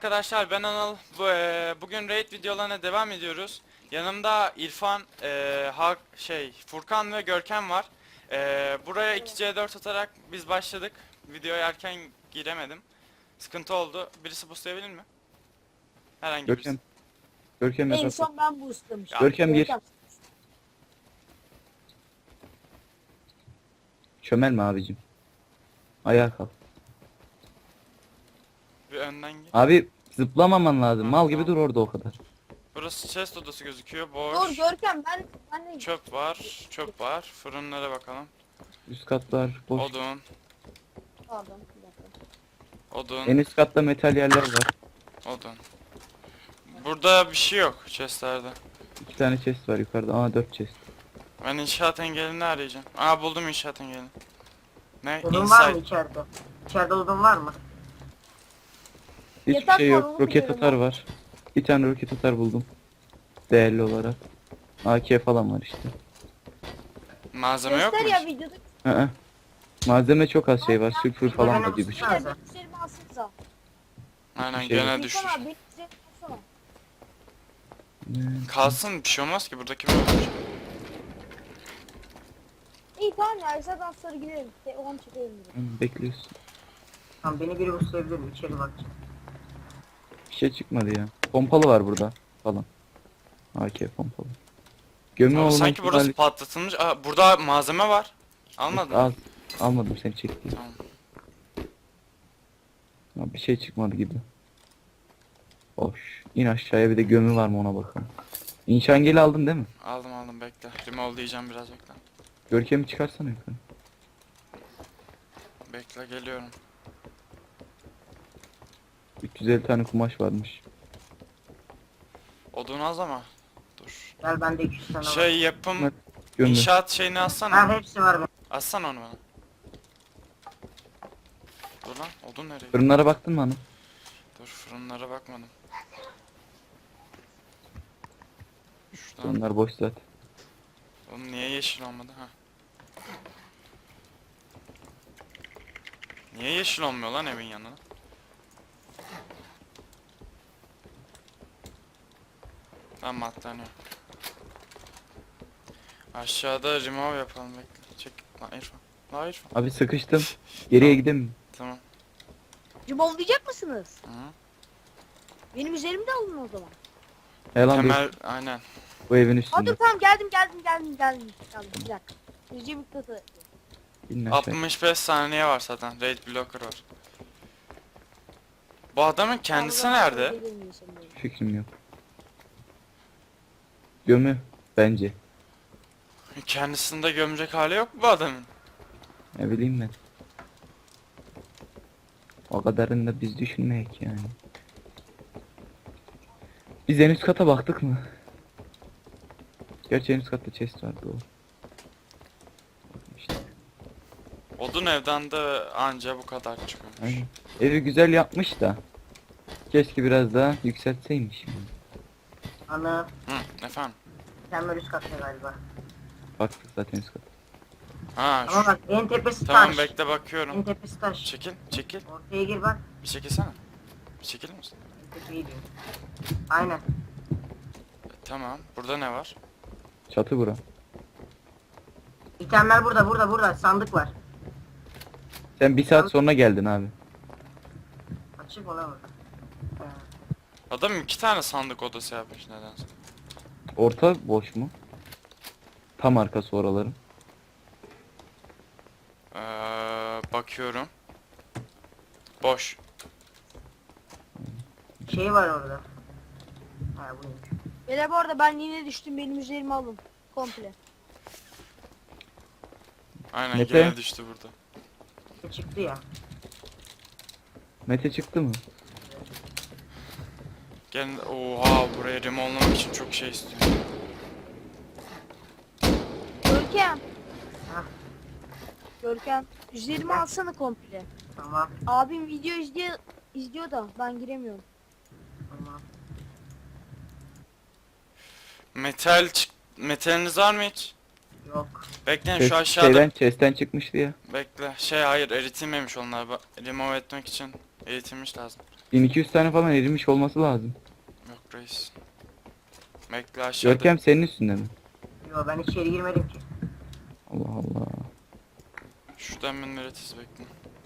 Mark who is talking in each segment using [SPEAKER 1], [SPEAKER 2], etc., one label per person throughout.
[SPEAKER 1] arkadaşlar, ben Anıl. Bugün raid videolarına devam ediyoruz. Yanımda İrfan, Furkan ve Görkem var. Buraya 2C4 atarak biz başladık. Videoya erken giremedim. Sıkıntı oldu. Birisi boostlayabilir mi? Herhangi birisi.
[SPEAKER 2] Görkem. Görkem
[SPEAKER 3] En
[SPEAKER 2] yatak.
[SPEAKER 3] son ben boostlamıştım.
[SPEAKER 2] Görkem gir. Çömelme abicim. Ayağa kalk.
[SPEAKER 1] Bir önden gir.
[SPEAKER 2] Abi zıplamaman lazım.
[SPEAKER 1] Ha,
[SPEAKER 2] Mal gibi
[SPEAKER 1] tamam.
[SPEAKER 2] dur orada o kadar.
[SPEAKER 1] Burası chest odası gözüküyor.
[SPEAKER 3] Dur
[SPEAKER 1] Boş.
[SPEAKER 3] Görkem ben de
[SPEAKER 1] Çöp var. Çöp var. Fırınlara bakalım.
[SPEAKER 2] Üst katlar boş.
[SPEAKER 1] Odun.
[SPEAKER 3] pardon bir dakika.
[SPEAKER 1] Odun.
[SPEAKER 2] En üst katta metal yerler var.
[SPEAKER 1] Odun. Burada bir şey yok chestlerde.
[SPEAKER 2] 2 tane chest var yukarıda. Aa 4 chest.
[SPEAKER 1] Ben inşaat engelini arayacağım. Aa, buldum inşaat engelini. Ne?
[SPEAKER 4] Odun var mı
[SPEAKER 1] Inside.
[SPEAKER 4] içeride? İçeride odun var mı?
[SPEAKER 2] Hiçbir
[SPEAKER 3] Yatak
[SPEAKER 2] şey
[SPEAKER 3] var,
[SPEAKER 2] yok.
[SPEAKER 3] onu
[SPEAKER 2] Roket
[SPEAKER 3] biliyorum
[SPEAKER 2] atar
[SPEAKER 3] ben.
[SPEAKER 2] var. Bir tane roket atar buldum. Değerli olarak. AK falan var işte.
[SPEAKER 1] Malzeme yok
[SPEAKER 3] Göster
[SPEAKER 1] mu?
[SPEAKER 3] ya videoda.
[SPEAKER 2] Hı. Malzeme çok az şey var. Sülfür falan da bir buçuk.
[SPEAKER 3] Şöyle benim üzerime alsanıza.
[SPEAKER 1] Aynen,
[SPEAKER 2] şey
[SPEAKER 1] gene
[SPEAKER 2] yok.
[SPEAKER 1] düştü.
[SPEAKER 3] İrfan abi benim üzerime alsana.
[SPEAKER 1] Kalsın, bir şey olmaz ki, buradaki böyle olacak.
[SPEAKER 3] İyi tamam ya zaten sonra girelim. Onu çekelim.
[SPEAKER 2] Bekliyorsun.
[SPEAKER 4] Tamam beni biri buslayabilir mi? İçeri bak.
[SPEAKER 2] Bir şey çıkmadı ya. Pompalı var burada falan. AK pompalı. Gömü
[SPEAKER 1] Abi
[SPEAKER 2] olma
[SPEAKER 1] sanki burası
[SPEAKER 2] ihtimali
[SPEAKER 1] patlatılmış. Aa, burada malzeme var. Almadın mı?
[SPEAKER 2] az. Almadım seni çekti.
[SPEAKER 1] Tamam.
[SPEAKER 2] Ya bir şey çıkmadı gibi. Hoş. İn aşağıya, bir de gömü var mı ona bakalım. İnşangeli aldın değil mi?
[SPEAKER 1] Aldım, bekle. Remove diyeceğim, biraz bekle.
[SPEAKER 2] Görkemi çıkarsana yukarı.
[SPEAKER 1] Bekle, geliyorum.
[SPEAKER 2] 350 tane kumaş varmış.
[SPEAKER 1] Odun az ama. Dur.
[SPEAKER 4] Gel bende 200 tane var.
[SPEAKER 1] Şey yapım,
[SPEAKER 2] Evet, Gömü.
[SPEAKER 1] inşaat şeyini
[SPEAKER 4] Ha
[SPEAKER 1] alsana.
[SPEAKER 4] hepsi var benim.
[SPEAKER 1] Alsana onu bana. Dur lan, odun nereye?
[SPEAKER 2] Fırınlara baktın mı hanım?
[SPEAKER 1] Dur, fırınlara bakmadım. Şuradan.
[SPEAKER 2] Fırınlar boş zaten.
[SPEAKER 1] Oğlum niye yeşil olmadı ha? Niye yeşil olmuyor lan evin yanına? Tamam, atlanıyor. Aşağıda remove yapalım, bekle. Çek lan İrfan. Lan İrfan.
[SPEAKER 2] Abi sıkıştım. Geriye gideyim.
[SPEAKER 1] Tamam.
[SPEAKER 3] Cumhurlayacak mısınız?
[SPEAKER 1] Hı.
[SPEAKER 3] Benim üzerimde alın o zaman.
[SPEAKER 2] Helan dur.
[SPEAKER 1] Temel, aynen.
[SPEAKER 2] Bu evin
[SPEAKER 3] Aa
[SPEAKER 2] üstünde.
[SPEAKER 3] dur tamam geldim. Bir dakika. Yüzce miktası.
[SPEAKER 2] İn aşağı.
[SPEAKER 1] 65 saniye var zaten. Raid blocker var. Bu adamın kendisi nerede?
[SPEAKER 2] Fikrim yok. Gömü bence.
[SPEAKER 1] Kendisinde gömecek hali yok mu bu adamın?
[SPEAKER 2] Ne bileyim ben. O kadarını da biz düşünmeyek yani. Biz en üst kata baktık mı? Gerçi en üst katta chest vardı o. İşte,
[SPEAKER 1] Odun evden de anca bu kadar çıkıyormuş.
[SPEAKER 2] aynen. Evi güzel yapmış da. Keşke biraz daha yükseltseymiş.
[SPEAKER 4] Ana.
[SPEAKER 1] Hı, efendim.
[SPEAKER 4] Mükemmel üst katta galiba.
[SPEAKER 2] Baktık zaten üst kata.
[SPEAKER 1] Ha,
[SPEAKER 4] Ama
[SPEAKER 1] şu.
[SPEAKER 4] bak en tepesi
[SPEAKER 1] Tamam,
[SPEAKER 4] taş.
[SPEAKER 1] bekle,
[SPEAKER 4] En
[SPEAKER 1] bakıyorum.
[SPEAKER 4] tepesi taş.
[SPEAKER 1] Çekil, çekil.
[SPEAKER 4] Ortaya gir bak.
[SPEAKER 1] Bir çekilsene. Bir çekilir misin?
[SPEAKER 4] En tepeyi diyor. Aynen.
[SPEAKER 1] Tamam. Burada ne var?
[SPEAKER 2] Çatı bura.
[SPEAKER 4] İtemler burada. Sandık var.
[SPEAKER 2] Sen bir saat sonra geldin abi.
[SPEAKER 4] Açık ona bak. Ha.
[SPEAKER 1] Adam 2 tane sandık odası yapmış nedense.
[SPEAKER 2] Orta boş mu? Tam arkası oraların.
[SPEAKER 1] Bakıyorum. Boş.
[SPEAKER 4] Şey var orada. Ha bu neymiş?
[SPEAKER 3] Beyler bu arada ben yine düştüm. Benim üzerime alın. Komple.
[SPEAKER 1] Aynen,
[SPEAKER 2] Mete?
[SPEAKER 1] gene düştü burada.
[SPEAKER 4] Çıktı ya.
[SPEAKER 2] Mete çıktı mı?
[SPEAKER 1] Gene, oha, buraya remonlamak için çok şey istiyor.
[SPEAKER 3] Görkem.
[SPEAKER 4] Hah.
[SPEAKER 3] Görkem. Üzerime alsana komple.
[SPEAKER 4] Tamam.
[SPEAKER 3] Abim video izliyor da ben giremiyorum.
[SPEAKER 4] Tamam.
[SPEAKER 1] Metaliniz var mı hiç?
[SPEAKER 4] Yok.
[SPEAKER 1] Bekleyin,
[SPEAKER 2] Chest-
[SPEAKER 1] şu aşağıda.
[SPEAKER 2] Chest'ten çıkmıştı ya.
[SPEAKER 1] Bekle. Hayır, eritilmemiş onlar. Remove etmek için eritilmiş lazım.
[SPEAKER 2] 1200 tane falan erimiş olması lazım.
[SPEAKER 1] Yok reis. Bekle aşağıda.
[SPEAKER 2] Görkem senin üstünde mi?
[SPEAKER 4] Yo ben içeri girmedim ki.
[SPEAKER 2] Allah Allah.
[SPEAKER 1] Şuradan ben üretiz bekle.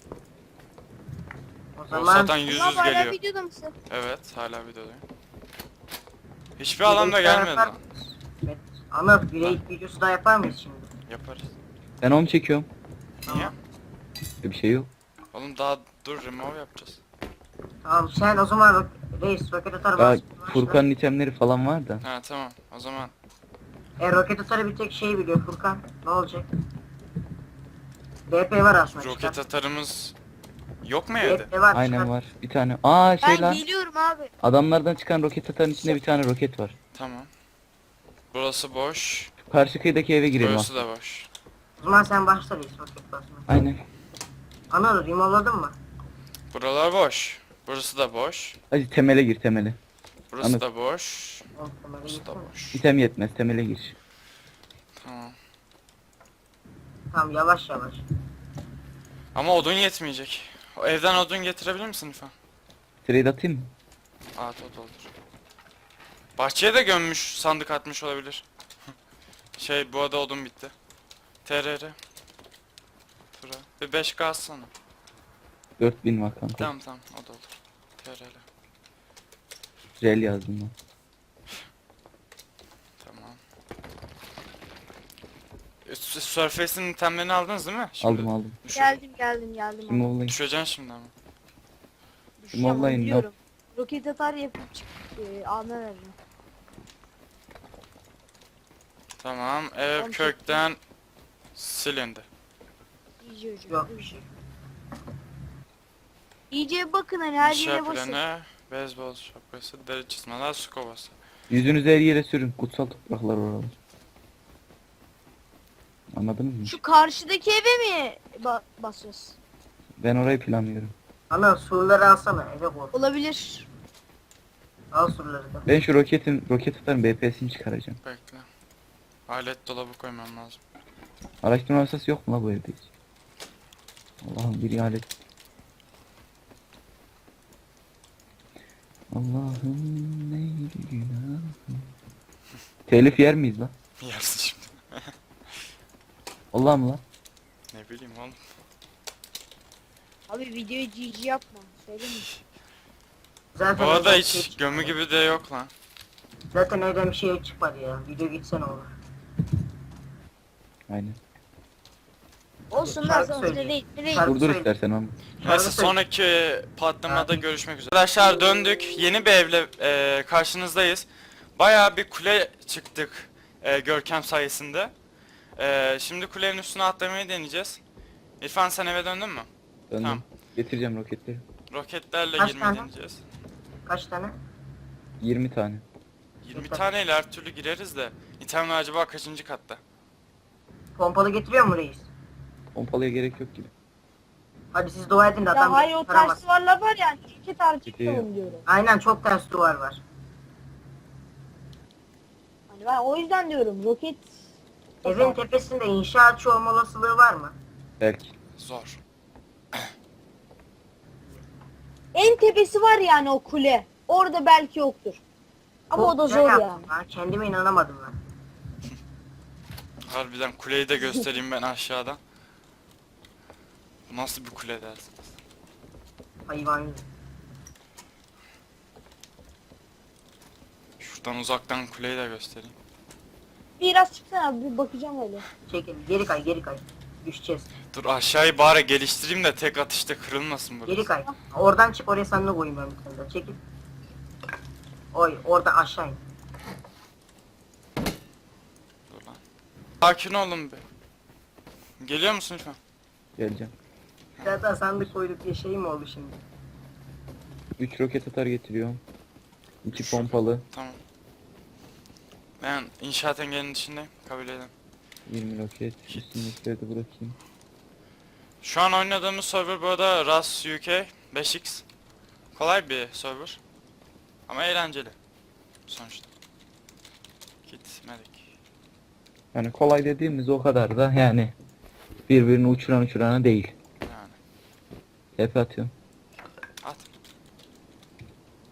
[SPEAKER 4] O
[SPEAKER 1] O
[SPEAKER 4] zaman
[SPEAKER 1] zaten yüz
[SPEAKER 3] Ama
[SPEAKER 1] yüz
[SPEAKER 3] hala
[SPEAKER 1] geliyor.
[SPEAKER 3] videoda mısın?
[SPEAKER 1] Evet hala videodayım. Hiçbir adam da gelmedi lan.
[SPEAKER 4] Evet. Anıl bir raid videosu daha yapar mıyız şimdi?
[SPEAKER 1] Yaparız.
[SPEAKER 2] Ben onu çekiyorum.
[SPEAKER 1] Niye?
[SPEAKER 2] Bir şey yok.
[SPEAKER 1] Oğlum daha dur remove yapacağız.
[SPEAKER 4] Tamam sen o zaman reis roket atar
[SPEAKER 2] Ya
[SPEAKER 4] başla.
[SPEAKER 2] Furkan'ın itemleri falan var da.
[SPEAKER 1] Ha tamam o zaman.
[SPEAKER 4] Roket atarı bir tek şey biliyor Furkan. Ne olacak? BP var aslında.
[SPEAKER 1] Roket
[SPEAKER 4] çıkar.
[SPEAKER 1] atarımız yok mu evde?
[SPEAKER 4] BP var.
[SPEAKER 2] Aynen
[SPEAKER 4] çıkar.
[SPEAKER 2] var. Bir tane. Aa şey
[SPEAKER 3] Ben
[SPEAKER 2] lan.
[SPEAKER 3] geliyorum abi.
[SPEAKER 2] Adamlardan çıkan roket atarın içinde bir tane roket var.
[SPEAKER 1] Tamam. Burası boş.
[SPEAKER 2] Karşı kıyıdaki eve girelim
[SPEAKER 1] Burası
[SPEAKER 2] aslında.
[SPEAKER 1] da boş.
[SPEAKER 4] O zaman sen başla reis roket basma.
[SPEAKER 2] Aynen.
[SPEAKER 4] Anıl remove'ladın mı?
[SPEAKER 1] Buralar boş. Burası da boş.
[SPEAKER 2] Hadi temele gir temele.
[SPEAKER 1] Burası
[SPEAKER 2] Anladım.
[SPEAKER 1] da boş.
[SPEAKER 4] Oğlum, temele
[SPEAKER 1] Burası da
[SPEAKER 4] gitsene.
[SPEAKER 1] boş.
[SPEAKER 2] İtem yetmez temele gir.
[SPEAKER 1] Tamam.
[SPEAKER 4] Tamam yavaş yavaş.
[SPEAKER 1] Ama odun yetmeyecek. O evden odun getirebilir misin lütfen?
[SPEAKER 2] Trade atayım mı?
[SPEAKER 1] At o da olur. Bahçeye de gömmüş, sandık atmış olabilir. Şey bu arada odun bitti. TRR. Tura. Bir 5K atsana.
[SPEAKER 2] 4000 var kanka.
[SPEAKER 1] Tamam tamam o da olur. TRR.
[SPEAKER 2] Rel yazdım ben.
[SPEAKER 1] Tamam. Surface'in itemlerini aldınız değil mi? Şimdi
[SPEAKER 2] Aldım aldım.
[SPEAKER 3] Geldim.
[SPEAKER 2] Şimdi
[SPEAKER 3] abi.
[SPEAKER 2] olayım.
[SPEAKER 1] Düşeceksin şimdi ama.
[SPEAKER 3] Düşeceğim, onu
[SPEAKER 2] Vallahi
[SPEAKER 3] biliyorum. Roket atar yapıp çık. Alma vereceğim.
[SPEAKER 1] Tamam ev
[SPEAKER 3] Tamam,
[SPEAKER 1] kökten silindi.
[SPEAKER 3] İyice hocam.
[SPEAKER 4] Yok bir şey.
[SPEAKER 3] İyice bakın hani her
[SPEAKER 1] İnşa
[SPEAKER 3] yere basın.
[SPEAKER 1] planı, beyzbol şapkası, deri çizmeler, su kovası.
[SPEAKER 2] Yüzünüzü her yere sürün. Kutsal topraklar oralar. Anladınız mı?
[SPEAKER 3] Şu karşıdaki eve mi basıyoruz?
[SPEAKER 2] Ben orayı planlıyorum.
[SPEAKER 4] Anıl surları alsana eve koy.
[SPEAKER 3] Olabilir.
[SPEAKER 4] Al surları da.
[SPEAKER 2] Ben şu roket atarım BPS'ini çıkaracağım.
[SPEAKER 1] Bekle. Alet dolabı koymam lazım.
[SPEAKER 2] Araştırma masası yok mu la bu evde hiç? Allah'ım bir alet. Allah'ım neydi günahım. Telif yer miyiz la?
[SPEAKER 1] Yersin şimdi.
[SPEAKER 2] Allah'ım la.
[SPEAKER 1] Ne bileyim oğlum.
[SPEAKER 3] Abi videoyu GG yapma. Söyleyeyim mi?
[SPEAKER 4] Zaten
[SPEAKER 1] Bu arada
[SPEAKER 4] evden bir şey
[SPEAKER 1] hiç
[SPEAKER 4] çıkmadı.
[SPEAKER 1] gömü gibi de yok lan.
[SPEAKER 4] Zaten evden bir şey çıkmadı ya. Video gitsen olur.
[SPEAKER 2] Aynen.
[SPEAKER 3] Olsun lan
[SPEAKER 4] Şarkı
[SPEAKER 3] sonuçta
[SPEAKER 4] söyleyeyim.
[SPEAKER 3] değil.
[SPEAKER 4] Şarkı
[SPEAKER 2] Durdur
[SPEAKER 4] söyle.
[SPEAKER 2] istersen ama.
[SPEAKER 1] Neyse
[SPEAKER 4] Şarkı
[SPEAKER 1] sonraki patlamada
[SPEAKER 4] Ha.
[SPEAKER 1] görüşmek üzere. Arkadaşlar döndük. Yeni bir evle karşınızdayız. Bayağı bir kule çıktık Görkem sayesinde. Şimdi kulenin üstüne atlamayı deneyeceğiz. İrfan sen eve döndün mü?
[SPEAKER 2] Döndüm.
[SPEAKER 1] Tamam.
[SPEAKER 2] Getireceğim roketleri.
[SPEAKER 1] Roketlerle
[SPEAKER 4] Kaç
[SPEAKER 1] girmeyi
[SPEAKER 4] tane?
[SPEAKER 1] deneyeceğiz.
[SPEAKER 4] Kaç tane?
[SPEAKER 2] 20 tane.
[SPEAKER 1] 20
[SPEAKER 4] Yeter.
[SPEAKER 1] taneyle her türlü gireriz de. İtemler acaba kaçıncı katta?
[SPEAKER 4] Pompalı getiriyor mu reis?
[SPEAKER 2] Pompalıya gerek yok gibi.
[SPEAKER 4] Hadi siz dua edin de
[SPEAKER 3] Ya
[SPEAKER 4] adam
[SPEAKER 3] hayır o
[SPEAKER 4] taramaz.
[SPEAKER 3] ters duvarlar var ya. İki tarçık
[SPEAKER 2] Gidiyor.
[SPEAKER 3] yolum diyorum.
[SPEAKER 4] Aynen çok ters duvar var.
[SPEAKER 3] Hani ben o yüzden diyorum roket.
[SPEAKER 4] Evin tepesinde inşaatçı olma olasılığı var mı?
[SPEAKER 2] Belki.
[SPEAKER 1] Zor.
[SPEAKER 3] En tepesi var yani o kule. Orada belki yoktur. Ama
[SPEAKER 4] Çok
[SPEAKER 3] o da
[SPEAKER 4] güzel
[SPEAKER 3] zor
[SPEAKER 4] yaptın
[SPEAKER 3] yani.
[SPEAKER 4] lan. Kendime inanamadım ben.
[SPEAKER 1] Harbiden kuleyi de göstereyim ben aşağıdan. Bu nasıl bir kule dersiniz?
[SPEAKER 4] Hayvan gibi.
[SPEAKER 1] Şuradan uzaktan kuleyi de göstereyim.
[SPEAKER 3] Biraz çıksana bir bakacağım öyle.
[SPEAKER 4] Çekil geri kay geri kay. Düşeceğiz.
[SPEAKER 1] Dur aşağıyı bari geliştireyim de tek atışta kırılmasın burası.
[SPEAKER 4] Geri kay. Oradan çık oraya sen de koyayım ben bir tane daha. Çekil. Oy orada aşağı in.
[SPEAKER 1] Dur lan. Sakin olun be. Geliyor musun lütfen?
[SPEAKER 2] Geleceğim.
[SPEAKER 4] Zaten sandık koyduk diye şey mi oldu şimdi?
[SPEAKER 2] 3 roket atar getiriyorum. 2 pompalı.
[SPEAKER 1] Tamam. Ben inşaat engelinin dışındayım. Kabul edin.
[SPEAKER 2] 20 roket. Üstündekileri de bırakayım.
[SPEAKER 1] Şu an oynadığımız server bu arada RAS UK 5X. Kolay bir server. Ama eğlenceli. Sonuçta. Gitmedik.
[SPEAKER 2] Yani kolay dediğimiz o kadar da yani birbirini uçurana değil.
[SPEAKER 1] Yani.
[SPEAKER 2] Tepe atıyorum.
[SPEAKER 1] At.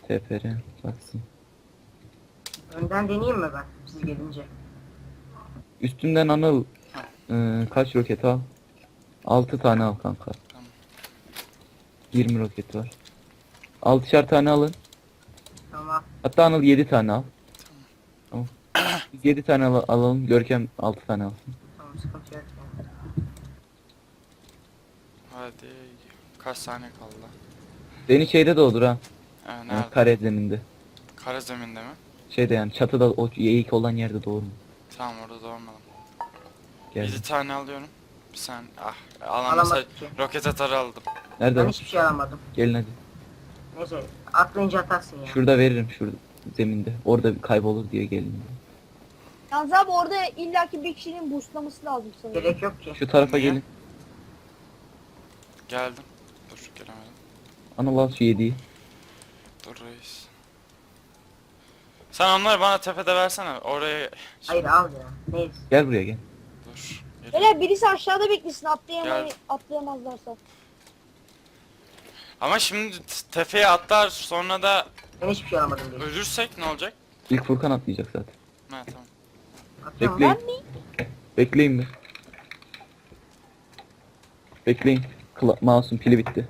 [SPEAKER 2] TPR baksın.
[SPEAKER 4] Önden deneyeyim mi ben siz gelince?
[SPEAKER 2] Üstümden Anıl kaç roket al? 6 tane al kanka.
[SPEAKER 1] Tamam.
[SPEAKER 2] 20 roket var. 6'şar tane alın.
[SPEAKER 4] Tamam.
[SPEAKER 2] Hatta Anıl 7 tane al. Tamam. Biz 7 tane alalım. Görkem 6 tane alsın.
[SPEAKER 4] Tamam, sıkıntı yok.
[SPEAKER 1] Hadi. Kaç saniye kaldı lan?
[SPEAKER 2] Beni şeyde doğdur ha.
[SPEAKER 1] Nerede?
[SPEAKER 2] Kare zeminde.
[SPEAKER 1] Kara zeminde mi?
[SPEAKER 2] Şeyde yani çatıda o eğik olan yerde doğru mu?
[SPEAKER 1] Tamam, orada doğmadım.
[SPEAKER 2] Gel.
[SPEAKER 1] 7 tane alıyorum. Bir saniye. Alamasa
[SPEAKER 4] Alamadık ki.
[SPEAKER 1] roket atarı aldım.
[SPEAKER 2] Nerede?
[SPEAKER 4] Ben
[SPEAKER 2] o?
[SPEAKER 4] hiçbir şey alamadım.
[SPEAKER 2] Gelin hadi.
[SPEAKER 4] Neyse atlayınca atarsın ya.
[SPEAKER 2] Şurada veririm şurada zeminde. Orada kaybolur diye gelin.
[SPEAKER 3] Yalnız abi orada illaki bir kişinin boostlaması lazım sanırım.
[SPEAKER 4] Gerek yok ki.
[SPEAKER 2] Şu tarafa
[SPEAKER 1] Niye?
[SPEAKER 2] gelin.
[SPEAKER 1] Geldim. Dur, gelemedim.
[SPEAKER 2] Anıl al şu 7'yi.
[SPEAKER 1] Dur reis. Sen onları bana tepede versene. Oraya...
[SPEAKER 4] Hayır al ya. Neyse.
[SPEAKER 2] Gel buraya gel.
[SPEAKER 1] Dur. Gel.
[SPEAKER 3] Beyler birisi aşağıda beklesin
[SPEAKER 1] Gel.
[SPEAKER 3] atlayamazlarsa.
[SPEAKER 1] Ama şimdi tepeye atlar, sonra da
[SPEAKER 4] Ben hiçbir şey alamadım diye.
[SPEAKER 1] ölürsek ne olacak?
[SPEAKER 2] İlk Furkan atlayacak zaten.
[SPEAKER 1] Ha, tamam.
[SPEAKER 4] Atıyorum.
[SPEAKER 2] Bekleyin.
[SPEAKER 3] Ben mi?
[SPEAKER 2] Bekleyin mi? Bekleyin. Mouse'un pili bitti.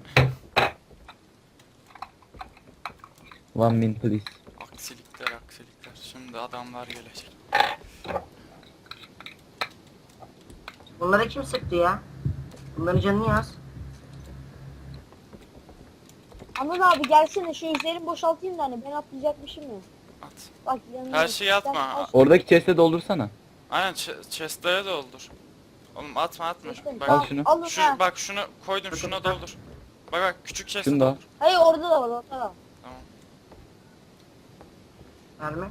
[SPEAKER 2] 1 minute please.
[SPEAKER 1] Aksilikler. Şimdi adamlar gelecek.
[SPEAKER 4] Bunlara kim sıktı ya? Bunların canını yaz.
[SPEAKER 3] Anıl abi gelsene şu üzerimi boşaltayım da hani ben atlayacakmışım ya.
[SPEAKER 1] At.
[SPEAKER 3] Bak yanına.
[SPEAKER 1] Her şeyi atma.
[SPEAKER 3] Sen-
[SPEAKER 2] Oradaki chest'e doldursana.
[SPEAKER 1] Aynen, chestlere doldur. Oğlum atma.
[SPEAKER 3] Sen-
[SPEAKER 1] Bak,
[SPEAKER 2] Al şunu.
[SPEAKER 3] Alın
[SPEAKER 1] şu,
[SPEAKER 3] ha.
[SPEAKER 1] bak şunu koydum, şuna doldur. Bak küçük chest'e
[SPEAKER 2] Şunu da al.
[SPEAKER 1] doldur.
[SPEAKER 3] Hayır orada da var orada da.
[SPEAKER 1] Tamam.
[SPEAKER 4] Verme.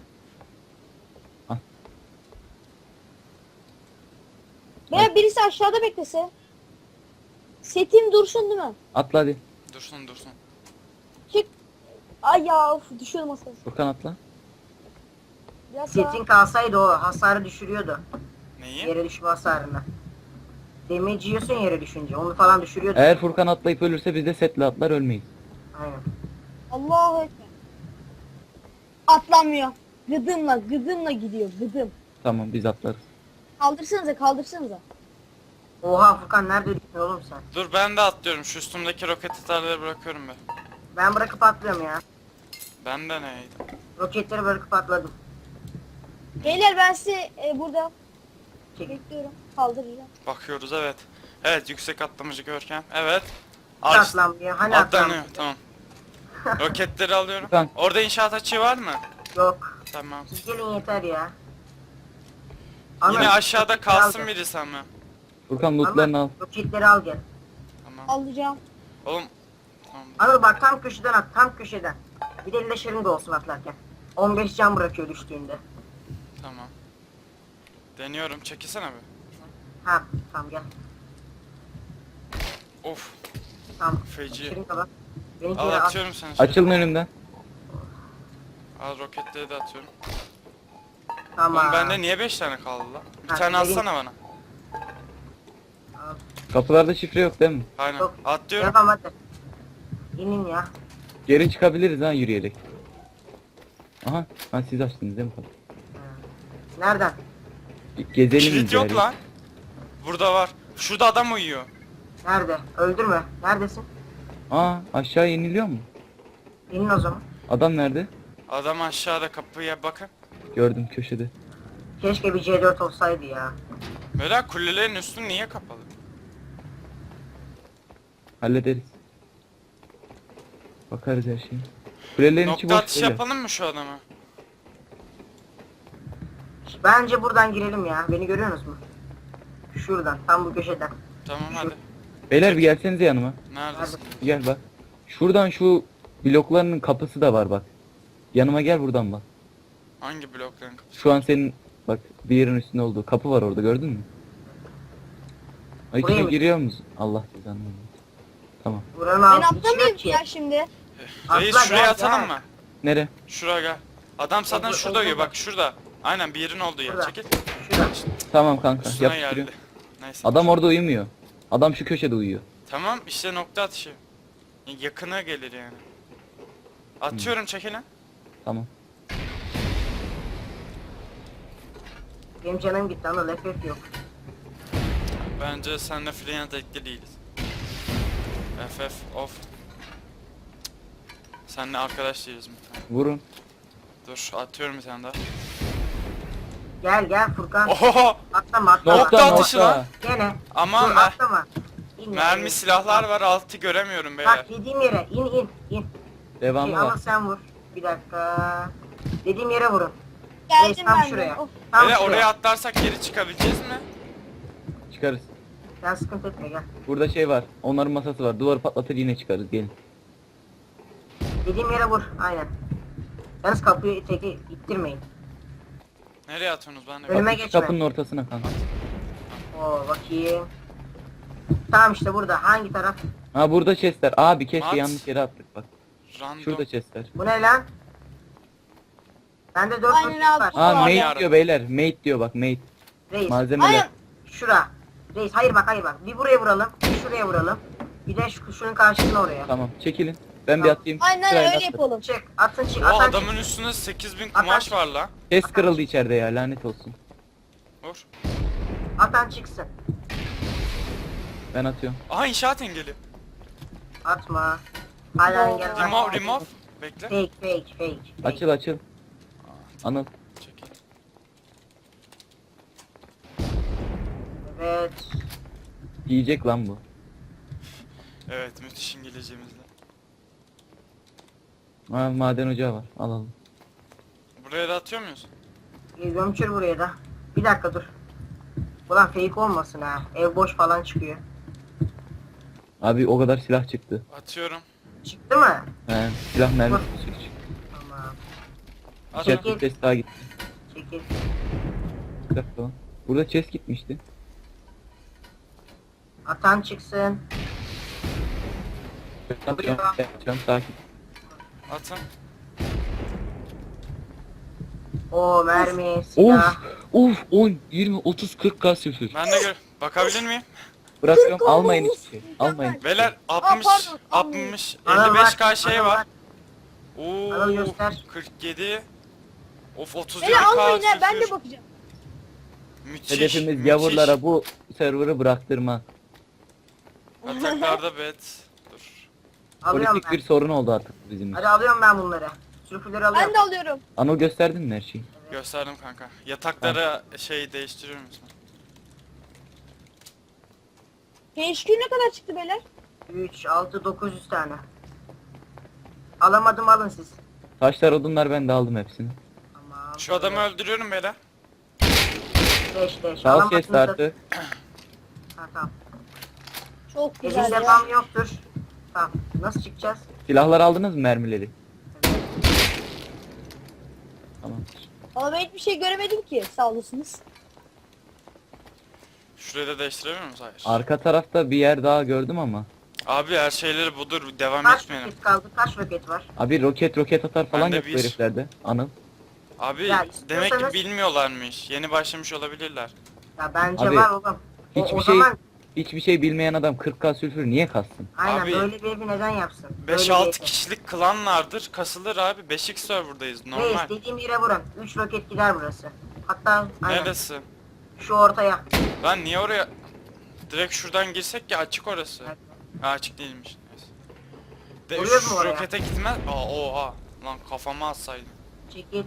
[SPEAKER 3] Veya birisi aşağıda beklese. Setim dursun değil mi?
[SPEAKER 2] Atla hadi.
[SPEAKER 1] Dursun.
[SPEAKER 3] Çık. Ay ya of, düşüyordum aslında.
[SPEAKER 2] Furkan atla.
[SPEAKER 3] Biraz daha.
[SPEAKER 4] Setin kalsaydı o hasarı düşürüyordu.
[SPEAKER 1] Neyi?
[SPEAKER 4] Yere düşme hasarını. Damage yiyorsun yere düşünce. Onu falan düşürüyordu.
[SPEAKER 2] Eğer Furkan atlayıp ölürse biz de setle atlar ölmeyiz.
[SPEAKER 4] Aynen.
[SPEAKER 3] Allahu ekber. Atlamıyor. Gıdımla gidiyor gıdım.
[SPEAKER 2] Tamam biz atlarız.
[SPEAKER 3] Kaldırsanıza.
[SPEAKER 4] Oha Furkan nerede düştün oğlum sen?
[SPEAKER 1] Dur, ben de atlıyorum. Şu üstümdeki roket atarları bırakıyorum be.
[SPEAKER 4] Ben bırakıp atlıyorum ya.
[SPEAKER 1] Ben de neydim?
[SPEAKER 4] Roketleri bırakıp atladım.
[SPEAKER 3] Beyler ben sizi burada
[SPEAKER 4] Çek.
[SPEAKER 3] bekliyorum. Kaldıracağım.
[SPEAKER 1] Bakıyoruz, evet. Evet, yüksek atlamacı Görkem. Evet.
[SPEAKER 4] Atlanmıyor. Hani
[SPEAKER 1] Atlanıyor,
[SPEAKER 4] atlanmıyor?
[SPEAKER 1] tamam. Roketleri alıyorum.
[SPEAKER 2] Furkan.
[SPEAKER 1] Orada inşaat açığı var mı?
[SPEAKER 4] Yok.
[SPEAKER 1] Tamam.
[SPEAKER 4] Siz gelin yeter ya.
[SPEAKER 1] Yine
[SPEAKER 4] Anıl,
[SPEAKER 1] aşağıda
[SPEAKER 4] roketleri al
[SPEAKER 1] kalsın
[SPEAKER 4] gel.
[SPEAKER 1] birisi ama.
[SPEAKER 2] Furkan lootlarını al.
[SPEAKER 4] Anıl, roketleri al gel.
[SPEAKER 1] Tamam.
[SPEAKER 3] Alacağım.
[SPEAKER 1] Oğlum. Tamam.
[SPEAKER 4] Anıl bak tam köşeden at. Tam köşeden. Bir de leşerin de olsun atlarken. 15 can bırakıyor düştüğünde.
[SPEAKER 1] Tamam. Deniyorum. Çekilsene bir.
[SPEAKER 4] Ha tamam gel.
[SPEAKER 1] Of.
[SPEAKER 4] Tamam.
[SPEAKER 1] Feci.
[SPEAKER 4] Leşerin de bak. Benimki
[SPEAKER 1] Al,
[SPEAKER 4] de at.
[SPEAKER 1] atıyorum seni. şuraya.
[SPEAKER 2] Açılın önümden.
[SPEAKER 1] Al, roketleri de atıyorum.
[SPEAKER 4] Tamam.
[SPEAKER 1] Oğlum bende niye 5 tane kaldı lan? Bir
[SPEAKER 4] Ha,
[SPEAKER 1] tane
[SPEAKER 4] vereyim.
[SPEAKER 1] atsana bana.
[SPEAKER 4] Al.
[SPEAKER 2] Kapılarda şifre yok değil mi?
[SPEAKER 1] Aynen.
[SPEAKER 4] Yok.
[SPEAKER 1] Atlıyorum.
[SPEAKER 4] Yapam hadi. İnin ya.
[SPEAKER 2] Geri çıkabiliriz ha yürüyerek. Aha. Ha siz açtınız değil mi kapıyı?
[SPEAKER 4] Nereden?
[SPEAKER 2] Gezelim
[SPEAKER 1] Kilit yok
[SPEAKER 2] bari.
[SPEAKER 1] lan. Burada var. Şurada adam uyuyor.
[SPEAKER 4] Nerede? Öldürme. Neredesin?
[SPEAKER 2] Aa aşağı iniliyor mu?
[SPEAKER 4] İnin o zaman.
[SPEAKER 2] Adam nerede?
[SPEAKER 1] Adam aşağıda, kapıya bakın.
[SPEAKER 2] Gördüm köşede.
[SPEAKER 4] Keşke bir C4 olsaydı ya.
[SPEAKER 1] Böyle kulelerin üstü niye kapalı?
[SPEAKER 2] Hallederiz. Bakarız her şeye. Kulelerin içi
[SPEAKER 1] Nokta
[SPEAKER 2] boş
[SPEAKER 1] atışı
[SPEAKER 2] böyle.
[SPEAKER 1] yapalım mı şu adama?
[SPEAKER 4] Bence buradan girelim ya. Beni görüyorsunuz mu? Şuradan. Tam bu köşeden.
[SPEAKER 1] Tamam hadi.
[SPEAKER 2] Beyler bir gelsenize yanıma.
[SPEAKER 1] Neredesin?
[SPEAKER 2] Gel bak. Şuradan şu bloklarının kapısı da var bak. Yanıma gel buradan bak.
[SPEAKER 1] Hangi blokların kapısı?
[SPEAKER 2] Şu an senin bak bir yerin üstünde olduğu kapı var orada gördün mü? Ay
[SPEAKER 4] Buraya
[SPEAKER 2] içine
[SPEAKER 4] mı?
[SPEAKER 2] giriyor musun? Allah cezanı vermesin. Tamam.
[SPEAKER 4] Buranın
[SPEAKER 3] Ben
[SPEAKER 4] altı hiç
[SPEAKER 3] atlamayayım
[SPEAKER 4] yok ki.
[SPEAKER 3] ya şimdi.
[SPEAKER 1] Reis
[SPEAKER 4] Atla,
[SPEAKER 1] şuraya
[SPEAKER 4] gel,
[SPEAKER 1] atalım
[SPEAKER 4] gel.
[SPEAKER 1] mı?
[SPEAKER 2] Nere?
[SPEAKER 1] Şuraya gel. Adam zaten
[SPEAKER 4] Oldu,
[SPEAKER 1] şurada
[SPEAKER 4] oldu
[SPEAKER 1] uyuyor,
[SPEAKER 4] bak.
[SPEAKER 1] bak şurada. Aynen, bir yerin olduğu yer.
[SPEAKER 4] Şurada.
[SPEAKER 1] Çekil.
[SPEAKER 4] Şurada.
[SPEAKER 2] Tamam kanka
[SPEAKER 1] Üstüne
[SPEAKER 2] yapıştırıyorum.
[SPEAKER 1] geldi. Neyse.
[SPEAKER 2] Adam orada uyumuyor. Adam şu köşede uyuyor.
[SPEAKER 1] Tamam işte, nokta atışı. Yakına gelir yani. Atıyorum çekilin.
[SPEAKER 2] Tamam.
[SPEAKER 4] Benim canım gitti ama FF yok.
[SPEAKER 1] Bence seninle Free'ye dekli değiliz. FF of. Seninle arkadaş değiliz mi?
[SPEAKER 2] Vurun.
[SPEAKER 1] Dur atıyorum bir tane daha.
[SPEAKER 4] Gel Furkan.
[SPEAKER 1] Oho!
[SPEAKER 4] Atlama atlama.
[SPEAKER 1] Nokta atışı lan.
[SPEAKER 4] Gene.
[SPEAKER 1] Aman
[SPEAKER 4] Dur,
[SPEAKER 1] be.
[SPEAKER 4] atlama. İn ya,
[SPEAKER 1] Mermi
[SPEAKER 4] in.
[SPEAKER 1] silahlar var altı göremiyorum beyler.
[SPEAKER 4] Bak dediğim yere in.
[SPEAKER 2] Devamı
[SPEAKER 4] Ama
[SPEAKER 2] var.
[SPEAKER 4] sen vur. Bir dakika. Dediğim yere vurun.
[SPEAKER 3] Geldim
[SPEAKER 4] tam
[SPEAKER 3] ben de.
[SPEAKER 4] şuraya.
[SPEAKER 3] Of.
[SPEAKER 4] Tam
[SPEAKER 1] Beyler
[SPEAKER 4] şuraya.
[SPEAKER 1] oraya atlarsak geri çıkabileceğiz mi?
[SPEAKER 2] Çıkarız.
[SPEAKER 4] Sen sıkıntı etme gel.
[SPEAKER 2] Burada şey var. Onların masası var. Duvarı patlatır yine çıkarız. Gelin.
[SPEAKER 4] Dediğim yere vur. Aynen. Yalnız kapıyı teki ittirmeyin.
[SPEAKER 1] Nereye atıyorsunuz ben de?
[SPEAKER 4] Önüme
[SPEAKER 2] Şu
[SPEAKER 4] geçme.
[SPEAKER 2] kapının ortasına kanka.
[SPEAKER 4] Oo bakayım. Tamam işte burada. Hangi taraf?
[SPEAKER 2] Ha burada chestler. Abi keşke
[SPEAKER 1] At.
[SPEAKER 2] yanlış yere attık bak.
[SPEAKER 1] Random.
[SPEAKER 2] Şurada chestler.
[SPEAKER 4] Bu ne lan? Bende 4
[SPEAKER 3] Aynen
[SPEAKER 4] roket
[SPEAKER 3] abi.
[SPEAKER 4] var.
[SPEAKER 2] Ha
[SPEAKER 3] Aman
[SPEAKER 2] mate
[SPEAKER 1] yarabbim.
[SPEAKER 2] diyor beyler. Mate diyor bak mate.
[SPEAKER 4] Reis.
[SPEAKER 2] Malzemeler.
[SPEAKER 3] Aynen.
[SPEAKER 4] Şura. Reis hayır bak. Bir buraya vuralım. Bir şuraya vuralım. Bir de şunun karşısına oraya.
[SPEAKER 2] Tamam çekilin. Ben bir atayım.
[SPEAKER 3] Aynen
[SPEAKER 2] Sırayla
[SPEAKER 3] öyle
[SPEAKER 2] atın.
[SPEAKER 3] yapalım.
[SPEAKER 4] Çık. Atın çık.
[SPEAKER 1] O
[SPEAKER 4] Atan
[SPEAKER 1] adamın
[SPEAKER 4] çık.
[SPEAKER 1] üstünde 8000
[SPEAKER 4] Atan
[SPEAKER 1] kumaş
[SPEAKER 4] çık.
[SPEAKER 1] var la.
[SPEAKER 2] Chest kırıldı içeride ya lanet olsun.
[SPEAKER 1] Vur.
[SPEAKER 4] Atan çıksın.
[SPEAKER 2] Ben atıyorum.
[SPEAKER 1] Aha inşaat engeli.
[SPEAKER 4] Atma. Hala engel var.
[SPEAKER 1] Remove. Bekle.
[SPEAKER 4] Fake.
[SPEAKER 2] Açıl. Anıl.
[SPEAKER 1] Çekil.
[SPEAKER 4] Evet.
[SPEAKER 2] Yiyecek lan bu.
[SPEAKER 1] Evet müthiş İngilizcemizle.
[SPEAKER 2] Ha maden ocağı var. Alalım.
[SPEAKER 1] Buraya da atıyor muyuz?
[SPEAKER 4] Gömçür buraya da. Bir dakika dur. Ulan fake olmasın ha. Ev boş falan çıkıyor.
[SPEAKER 2] Abi o kadar silah çıktı.
[SPEAKER 1] Atıyorum.
[SPEAKER 4] Çıktı mı?
[SPEAKER 2] He silah mermisi çıktı.
[SPEAKER 4] Tamam.
[SPEAKER 1] At.
[SPEAKER 4] Çekil.
[SPEAKER 2] Chest chest daha gitti.
[SPEAKER 4] Çekil.
[SPEAKER 2] Bir dakika lan. Burada chest gitmişti.
[SPEAKER 4] Atan çıksın.
[SPEAKER 2] Yapacağım sakin.
[SPEAKER 1] Atın.
[SPEAKER 4] O mermi,
[SPEAKER 2] Of
[SPEAKER 4] silah.
[SPEAKER 2] of 10 20 30 40 k sıfır.
[SPEAKER 1] Ben de bakabilir miyim?
[SPEAKER 2] Bırakıyorum
[SPEAKER 3] Kırk
[SPEAKER 2] almayın
[SPEAKER 3] olmuş.
[SPEAKER 2] hiçbir şey. Almayın.
[SPEAKER 1] Beyler 60
[SPEAKER 3] pardon,
[SPEAKER 1] 60
[SPEAKER 4] Anıl
[SPEAKER 1] 55k
[SPEAKER 4] bak,
[SPEAKER 1] şey
[SPEAKER 4] Anıl
[SPEAKER 1] var.
[SPEAKER 4] bak.
[SPEAKER 1] Oo
[SPEAKER 4] Anıl göster.
[SPEAKER 1] 47. Of
[SPEAKER 3] Beni
[SPEAKER 1] 37k
[SPEAKER 3] almayın ha ben de
[SPEAKER 1] sülfür.
[SPEAKER 3] bakacağım.
[SPEAKER 1] Müthiş.
[SPEAKER 2] Hedefimiz
[SPEAKER 1] müthiş.
[SPEAKER 2] gavurlara bu server'ı bıraktırma.
[SPEAKER 1] Ataklarda bet. Dur.
[SPEAKER 4] Alıyorum
[SPEAKER 2] Politik
[SPEAKER 4] ben.
[SPEAKER 2] bir sorun oldu artık bizim için.
[SPEAKER 4] Hadi alıyorum ben bunları. Sürpüleri alıyorum.
[SPEAKER 3] Ben de alıyorum.
[SPEAKER 2] Anıl gösterdin mi her şeyi?
[SPEAKER 1] Gösterdim kanka. Yatakları şey değiştiriyor musun?
[SPEAKER 3] HQ ne kadar çıktı beyler?
[SPEAKER 4] 3, 6, 900 tane. Alamadım alın siz.
[SPEAKER 2] Taşlar odunlar ben de aldım hepsini.
[SPEAKER 4] Tamam.
[SPEAKER 1] Şu adamı öldürüyorum beyler.
[SPEAKER 4] 5.
[SPEAKER 2] Sağ chest artı.
[SPEAKER 4] Ha tamam.
[SPEAKER 3] Çok güzel
[SPEAKER 4] Elinde
[SPEAKER 3] ya.
[SPEAKER 4] bam yoktur. Tamam. Nasıl çıkacağız?
[SPEAKER 2] Silahlar aldınız mı mermileri? Tamam.
[SPEAKER 3] Ama ben hiçbir şey göremedim ki. Sağ olasınız.
[SPEAKER 1] Şurayı da değiştirebilir miyiz? Hayır.
[SPEAKER 2] Arka tarafta bir yer daha gördüm ama.
[SPEAKER 1] Abi her şeyleri budur. Devam
[SPEAKER 4] Kaç
[SPEAKER 1] etmeyelim.
[SPEAKER 4] roket kaldı? Kaç roket var?
[SPEAKER 2] Abi roket atar falan
[SPEAKER 1] Bende
[SPEAKER 2] yok bu
[SPEAKER 1] bir.
[SPEAKER 2] heriflerde. Anıl.
[SPEAKER 1] Abi
[SPEAKER 4] Ya
[SPEAKER 1] demek ki
[SPEAKER 4] istiyorsanız-
[SPEAKER 1] bilmiyorlarmış. Yeni başlamış olabilirler.
[SPEAKER 4] Ya bence
[SPEAKER 2] Abi,
[SPEAKER 4] var oğlum.
[SPEAKER 2] Hiçbir
[SPEAKER 4] o
[SPEAKER 2] şey
[SPEAKER 4] zaman
[SPEAKER 2] hiçbir şey bilmeyen adam 40k sülfür niye kassın?
[SPEAKER 4] aynen
[SPEAKER 1] Abi,
[SPEAKER 4] böyle bir evi neden yapsın? Böyle
[SPEAKER 1] 5-6
[SPEAKER 4] bir evi.
[SPEAKER 1] kişilik klanlardır. Kasılır abi. 5x serverdayız. Normal.
[SPEAKER 4] Reis dediğim yere vurun. 3 roket gider burası. Hatta aynen
[SPEAKER 1] Neresi?
[SPEAKER 4] şu ortaya.
[SPEAKER 1] Lan niye oraya? Direkt şuradan girsek ya açık orası. Ha, açık değilmiş. Neyse. De
[SPEAKER 4] Vuruyoruz
[SPEAKER 1] şu
[SPEAKER 4] mu oraya?
[SPEAKER 1] rokete gitmez. Aa oha. Lan kafama atsaydım.
[SPEAKER 4] Çekil.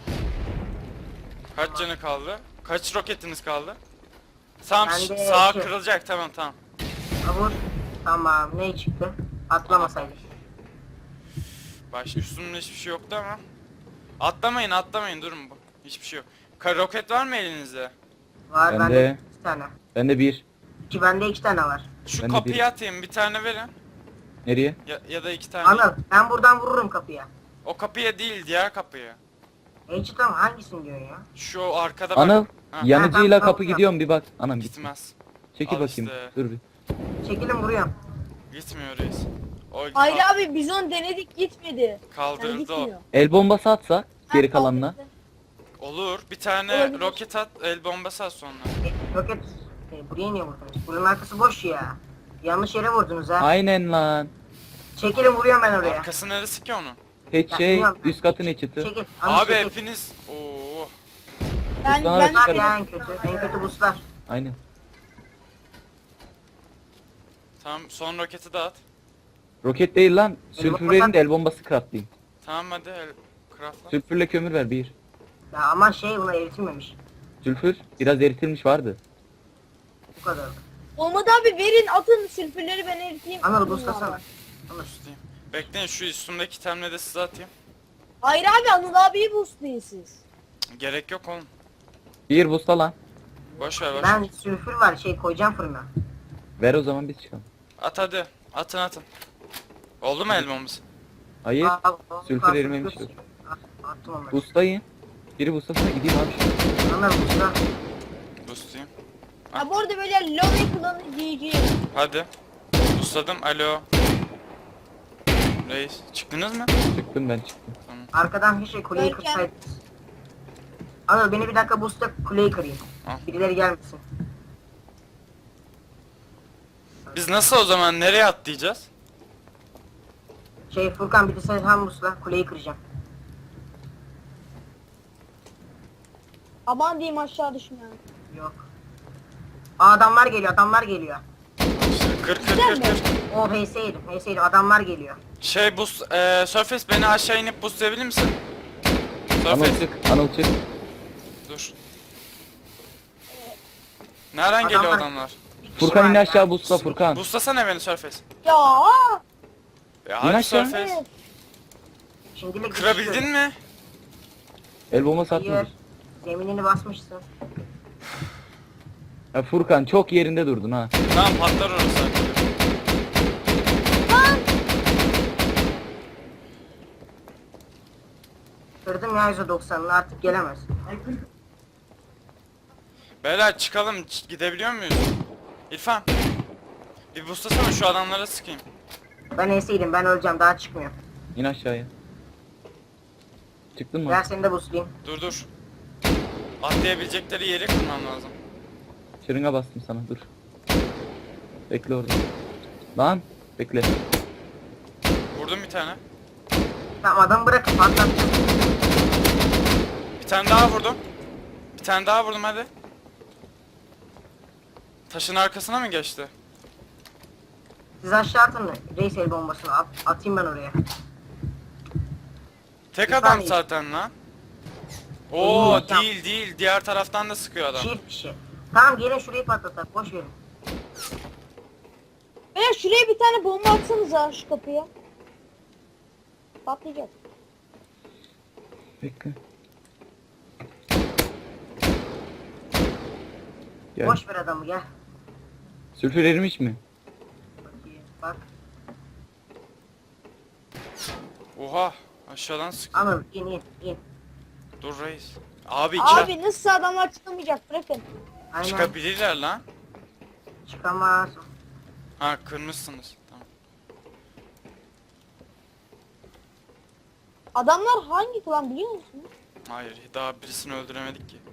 [SPEAKER 1] Kaç canı kaldı? Kaç roketiniz kaldı? Tamam
[SPEAKER 4] Bende
[SPEAKER 1] sağa
[SPEAKER 4] iki.
[SPEAKER 1] kırılacak tamam.
[SPEAKER 4] Ha, vur. Tamam. Ne çıktı? Atlamasaydık.
[SPEAKER 1] Baş üstümde hiçbir şey yoktu ama. Atlamayın durun bu. Hiçbir şey yok. Roket var mı elinizde?
[SPEAKER 4] Var
[SPEAKER 2] Bende-
[SPEAKER 4] bende 2 tane.
[SPEAKER 2] Bende bir.
[SPEAKER 4] Bende 2 tane var.
[SPEAKER 1] Şu
[SPEAKER 2] Ben de
[SPEAKER 1] kapıyı
[SPEAKER 2] bir.
[SPEAKER 1] atayım bir tane verin.
[SPEAKER 2] Nereye?
[SPEAKER 1] Ya da 2 tane.
[SPEAKER 4] Anıl ben buradan vururum kapıya.
[SPEAKER 1] O kapıya değil diğer kapıya.
[SPEAKER 4] Tamam hangisini diyorsun ya?
[SPEAKER 1] Şu arkada bak.
[SPEAKER 2] Anıl
[SPEAKER 1] Ha,
[SPEAKER 2] yanıcıyla
[SPEAKER 4] tamam,
[SPEAKER 2] kapı
[SPEAKER 4] tamam.
[SPEAKER 2] gidiyorum bir bak. Anam gitti.
[SPEAKER 1] gitmez.
[SPEAKER 2] Çekil
[SPEAKER 1] Al
[SPEAKER 2] bakayım.
[SPEAKER 1] işte.
[SPEAKER 2] Dur bir.
[SPEAKER 4] Çekilin vuruyorum.
[SPEAKER 1] Gitmiyor reis. O
[SPEAKER 3] Hayır abi biz onu denedik gitmedi. Yani
[SPEAKER 1] kaldırdı o.
[SPEAKER 3] gitmiyor.
[SPEAKER 2] El bombası atsa geri
[SPEAKER 3] Ha,
[SPEAKER 2] kalanına.
[SPEAKER 3] kaldırdı.
[SPEAKER 1] Olur. Bir tane
[SPEAKER 3] Olabilir.
[SPEAKER 1] roket at, el bombası at sonra.
[SPEAKER 4] Roket. Buraya niye vurdunuz? Bunun arkası boş ya. Yanlış yere vurdunuz ha.
[SPEAKER 2] Aynen lan.
[SPEAKER 4] Çekilin vuruyorum ben oraya.
[SPEAKER 1] Arkası neresi ki onun?
[SPEAKER 2] Hiç
[SPEAKER 4] Ya,
[SPEAKER 2] şey
[SPEAKER 4] bilmiyorum.
[SPEAKER 2] üst katın içiti.
[SPEAKER 4] Çekil. Anıl
[SPEAKER 1] Abi
[SPEAKER 4] çekil.
[SPEAKER 1] hepiniz. Oo.
[SPEAKER 3] Ben
[SPEAKER 2] Sana
[SPEAKER 3] ben
[SPEAKER 2] da
[SPEAKER 4] Bunlar ya en kötü. En kötü buslar.
[SPEAKER 2] Aynen.
[SPEAKER 1] Tamam son roketi dağıt.
[SPEAKER 2] Roket değil lan.
[SPEAKER 4] bomba
[SPEAKER 2] Sülfür verin
[SPEAKER 4] sat-
[SPEAKER 2] de el bombası craftlayayım.
[SPEAKER 1] Tamam hadi craftla.
[SPEAKER 2] Sülfürle kömür ver bir.
[SPEAKER 4] Ya ama şey buna eritilmemiş.
[SPEAKER 2] Sülfür biraz eritilmiş vardı.
[SPEAKER 4] Bu kadar.
[SPEAKER 3] olmadı abi, verin atın sülfürleri, ben eriteyim.
[SPEAKER 4] Anıl buslasana. Anıl.
[SPEAKER 1] Boostlayayım. Bekleyin şu üstümdeki itemleri de size atayım.
[SPEAKER 3] Hayır abi, Anıl abiyi boostlayın siz.
[SPEAKER 1] Gerek yok oğlum.
[SPEAKER 2] Bir busta lan.
[SPEAKER 1] Boş ver boş
[SPEAKER 4] Ben
[SPEAKER 1] ver.
[SPEAKER 4] sülfür var şey koyacağım fırına.
[SPEAKER 2] Ver o zaman biz çıkalım.
[SPEAKER 1] At hadi. Atın. Oldu mu elmamız?
[SPEAKER 2] Hayır. Sülfür
[SPEAKER 4] kalsın,
[SPEAKER 2] erimemiş
[SPEAKER 4] sülfür.
[SPEAKER 2] yok.
[SPEAKER 4] Attım onları.
[SPEAKER 2] Bustayın. Biri bustasına gideyim abi şu.
[SPEAKER 4] Anıl busla.
[SPEAKER 1] Boostlayayım.
[SPEAKER 3] Ha bu arada böyle lobby klanı GG.
[SPEAKER 1] Hadi. Boostladım. Alo. Reis. Çıktınız mı?
[SPEAKER 2] Çıktım ben çıktım.
[SPEAKER 4] Arkadan bir şey kuleyi
[SPEAKER 3] Görkem.
[SPEAKER 4] kırsaydınız. Anıl beni bir dakika busla kuleyi kırayım.
[SPEAKER 1] Al.
[SPEAKER 4] Birileri gelmesin.
[SPEAKER 1] Biz nasıl o zaman nereye atlayacağız?
[SPEAKER 4] Şey Furkan bir de sen hem busla kuleyi kıracağım.
[SPEAKER 3] Aman diyeyim, aşağı düşme.
[SPEAKER 4] Yok. Aa, adamlar geliyor.
[SPEAKER 1] İşte kır.
[SPEAKER 4] O HS yedim adamlar geliyor.
[SPEAKER 1] Şey Surface beni aşağı inip boostlayabilir misin?
[SPEAKER 2] Anıl
[SPEAKER 1] Surface
[SPEAKER 2] çık. Anıl çık.
[SPEAKER 1] dur. Nereden
[SPEAKER 4] Adamlar-
[SPEAKER 1] geliyor adamlar?
[SPEAKER 2] Furkan in
[SPEAKER 4] var
[SPEAKER 2] aşağı
[SPEAKER 4] ya.
[SPEAKER 2] busla Furkan.
[SPEAKER 1] Boostlasana beni Surface.
[SPEAKER 3] Ya
[SPEAKER 1] Ya
[SPEAKER 2] İn
[SPEAKER 1] abi
[SPEAKER 2] aşağı.
[SPEAKER 1] Surface.
[SPEAKER 4] Şimdilik
[SPEAKER 1] Kırabildin mi?
[SPEAKER 2] El bombası
[SPEAKER 4] Hayır.
[SPEAKER 2] atmadı.
[SPEAKER 4] Zeminini basmışsın.
[SPEAKER 2] Ya Furkan çok yerinde durdun ha.
[SPEAKER 1] Tamam patlar orası artık.
[SPEAKER 4] Kırdım ya %90'ını artık gelemez.
[SPEAKER 1] Beyler çıkalım. Gidebiliyor muyuz? İrfan. Bir boostlasana şu adamlara sıkayım.
[SPEAKER 4] Ben HS'ydim ben öleceğim daha çıkmıyor.
[SPEAKER 2] İn aşağıya. Çıktın mı?
[SPEAKER 4] Gel seni de buslayayım.
[SPEAKER 1] Dur. Atlayabilecekleri yeri kurmam lazım.
[SPEAKER 2] Şırınga bastım sana dur. Bekle orada. Lan bekle.
[SPEAKER 1] Vurdum bir tane.
[SPEAKER 4] Tamam adamı bırakın patlat.
[SPEAKER 1] Bir tane daha vurdum. Bir tane daha vurdum hadi. Taşın arkasına mı geçti?
[SPEAKER 4] Siz aşağı atın reis el bombasını atayım ben oraya.
[SPEAKER 1] Tek
[SPEAKER 4] Bir
[SPEAKER 1] adam
[SPEAKER 4] saniye.
[SPEAKER 1] zaten lan. Oo
[SPEAKER 4] Oo, tamam.
[SPEAKER 1] değil. Diğer taraftan da sıkıyor adam.
[SPEAKER 4] Çift kişi. Tamam gelin şurayı patlatak boş verin.
[SPEAKER 3] veya şuraya bir tane bomba atsanıza, şu kapıya. Patlayacak.
[SPEAKER 2] Bekle. Gel.
[SPEAKER 4] Boş ver adamı gel.
[SPEAKER 2] Sülfür erimiş mi?
[SPEAKER 4] Bakayım bak.
[SPEAKER 1] Oha aşağıdan sıkıyor.
[SPEAKER 4] Anıl in.
[SPEAKER 1] Dur reis. Abi
[SPEAKER 3] Abi nasıl adamlar çıkamayacak, bırakın.
[SPEAKER 4] Aynen.
[SPEAKER 1] çıkabilirler lan.
[SPEAKER 4] Çıkamaz.
[SPEAKER 1] Ha kırmışsınız. Tamam.
[SPEAKER 3] Adamlar hangi klan biliyor musun?
[SPEAKER 1] Hayır daha birisini öldüremedik ki.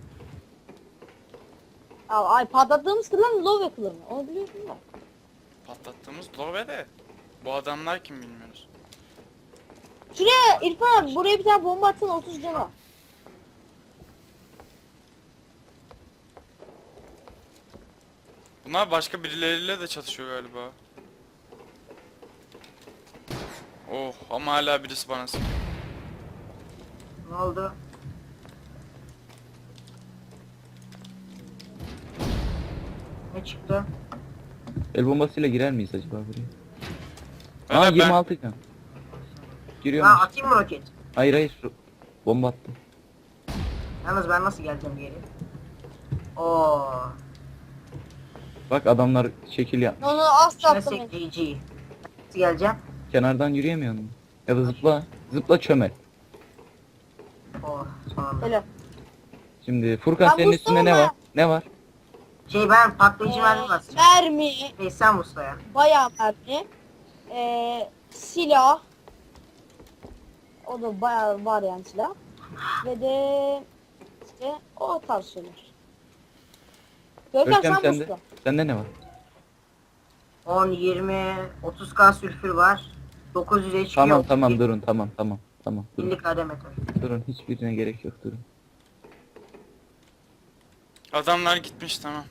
[SPEAKER 3] Ay patlattığımız klan Love klanı. Onu biliyorsun da.
[SPEAKER 1] Patlattığımız Love de. Bu adamlar kim bilmiyoruz.
[SPEAKER 3] Şuraya İrfan abi, buraya bir tane bomba atsana, 30 canı.
[SPEAKER 1] Bunlar başka birileriyle de çatışıyor galiba. Oh ama hala birisi bana sıkıyor.
[SPEAKER 4] Ne oldu? Ne çıktı?
[SPEAKER 2] El bombasıyla girer miyiz acaba buraya?
[SPEAKER 1] Beyler,
[SPEAKER 2] Aa
[SPEAKER 1] ben-
[SPEAKER 2] 26 can.
[SPEAKER 4] Ha
[SPEAKER 2] Giriyormuş.
[SPEAKER 4] atayım mı roket?
[SPEAKER 2] Hayır. Bomba attım.
[SPEAKER 4] Yalnız ben nasıl geleceğim geri? Oo.
[SPEAKER 2] Bak adamlar şekil yapmış.
[SPEAKER 3] Onu asla
[SPEAKER 4] Şuna
[SPEAKER 3] atlamayın.
[SPEAKER 4] GG. Nasıl geleceğim?
[SPEAKER 2] Kenardan yürüyemiyor musun? Ya da zıpla. Zıpla çömel.
[SPEAKER 4] Oh son anda.
[SPEAKER 3] Öyle.
[SPEAKER 2] Şimdi Furkan
[SPEAKER 3] Ben
[SPEAKER 2] senin üstünde ne
[SPEAKER 3] Mustafa.
[SPEAKER 2] var? Ne var?
[SPEAKER 4] Şey ben patlayıcı mermi basacağım.
[SPEAKER 3] Mermi,
[SPEAKER 4] Sen Mustafa'ya.
[SPEAKER 3] bayağı mermi. Silah. O da bayağı var yani silah. Ve de işte o tarz şeyler. Görkem
[SPEAKER 2] Görkem
[SPEAKER 3] sen
[SPEAKER 2] sende.
[SPEAKER 3] Mustafa.
[SPEAKER 2] Sende ne var?
[SPEAKER 4] 10, 20, 30k sülfür var. 900 HP
[SPEAKER 2] Tamam
[SPEAKER 4] yok.
[SPEAKER 2] tamam durun tamam. Durun.
[SPEAKER 4] 50 KD metal.
[SPEAKER 2] Durun hiçbirine gerek yok durun.
[SPEAKER 1] Adamlar gitmiş tamam.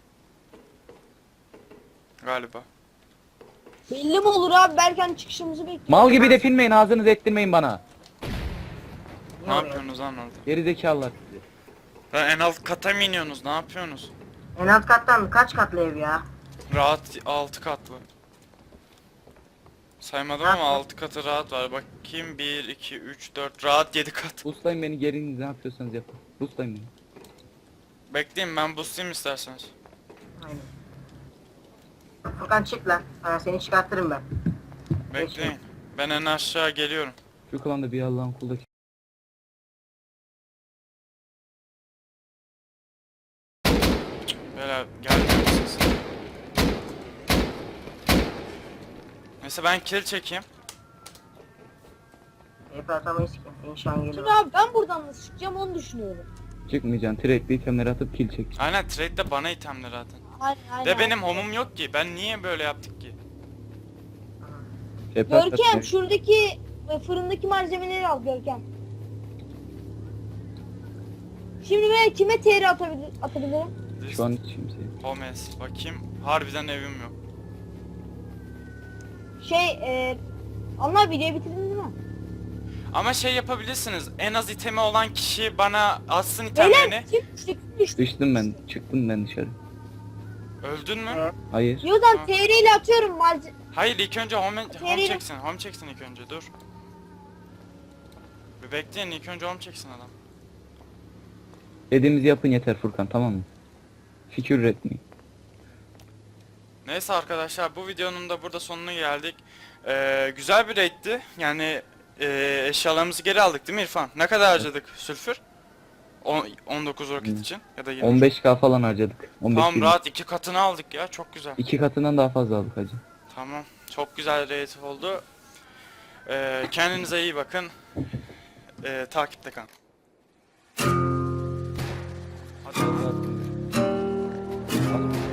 [SPEAKER 1] Galiba.
[SPEAKER 3] Belli mi olur abi? Berken çıkışımızı bekliyor.
[SPEAKER 2] Mal gibi depinmeyin ağzınızı ettirmeyin bana.
[SPEAKER 1] Ne yapıyorsunuz lan orada?
[SPEAKER 2] Geri zekalılar sizi.
[SPEAKER 1] Lan en alt kata mı iniyorsunuz? Ne yapıyorsunuz?
[SPEAKER 4] En alt kattan kaç katlı ev ya?
[SPEAKER 1] Rahat 6 katlı. Saymadım ama 6 katı rahat var. Bakayım 1, 2, 3, 4 rahat 7 kat.
[SPEAKER 2] Boostlayın beni geriniz ne yapıyorsanız yapın. Boostlayın beni.
[SPEAKER 1] Bekleyin ben boostlayayım isterseniz.
[SPEAKER 4] Aynen. Furkan çık lan. Seni çıkartırım ben.
[SPEAKER 1] Bekleyin. Ben en aşağı geliyorum.
[SPEAKER 2] Şu klanda bir Allah'ın kulu.
[SPEAKER 1] Böyle gelmiyor musunuz? Neyse ben kill çekeyim.
[SPEAKER 4] Hep atamayız ki. İnşan
[SPEAKER 3] Şimdi
[SPEAKER 4] geliyor.
[SPEAKER 3] abi ben buradan nasıl çıkacağım onu düşünüyorum.
[SPEAKER 2] Çıkmayacaksın. Trade'li itemleri atıp kill çek.
[SPEAKER 1] Aynen trade'de bana itemler atın.
[SPEAKER 3] Aynen.
[SPEAKER 1] De benim homum yok ki. Ben niye böyle yaptık ki?
[SPEAKER 3] Görkem şuradaki fırındaki malzemeleri al Görkem. Şimdi ben kime TR atabilirim?
[SPEAKER 2] Şu an hiç kimseye.
[SPEAKER 1] Homes. Bakayım. Harbiden evim yok.
[SPEAKER 3] Allah videoyu bitirdin değil mi?
[SPEAKER 1] Ama şey yapabilirsiniz. En az itemi olan kişi bana atsın itemlerini.
[SPEAKER 3] Beyler düştük.
[SPEAKER 2] Düştüm ben. Çıktım ben dışarı.
[SPEAKER 1] Öldün mü?
[SPEAKER 4] Evet.
[SPEAKER 2] Hayır.
[SPEAKER 3] Yodan
[SPEAKER 1] Ha.
[SPEAKER 3] TR ile atıyorum malzeme.
[SPEAKER 1] Hayır ilk önce home
[SPEAKER 3] Nereye?
[SPEAKER 1] çeksin. Home çeksin ilk önce dur. Bir bekleyin ilk önce home çeksin adam.
[SPEAKER 2] Dediğimizi yapın yeter Furkan tamam mı? Fikir üretmeyin.
[SPEAKER 1] Neyse arkadaşlar bu videonun da burada sonuna geldik. Güzel bir raid'ti. Yani eşyalarımızı geri aldık değil mi İrfan? Ne kadar harcadık sülfür? 19 roket için ya da 20.
[SPEAKER 2] 15k falan harcadık. 15
[SPEAKER 1] Tamam
[SPEAKER 2] bin.
[SPEAKER 1] rahat 2 katını aldık ya çok güzel.
[SPEAKER 2] 2 katından daha fazla aldık hacı.
[SPEAKER 1] Tamam çok güzel raid oldu. Kendinize iyi bakın. Takipte kalın.
[SPEAKER 2] Hadi.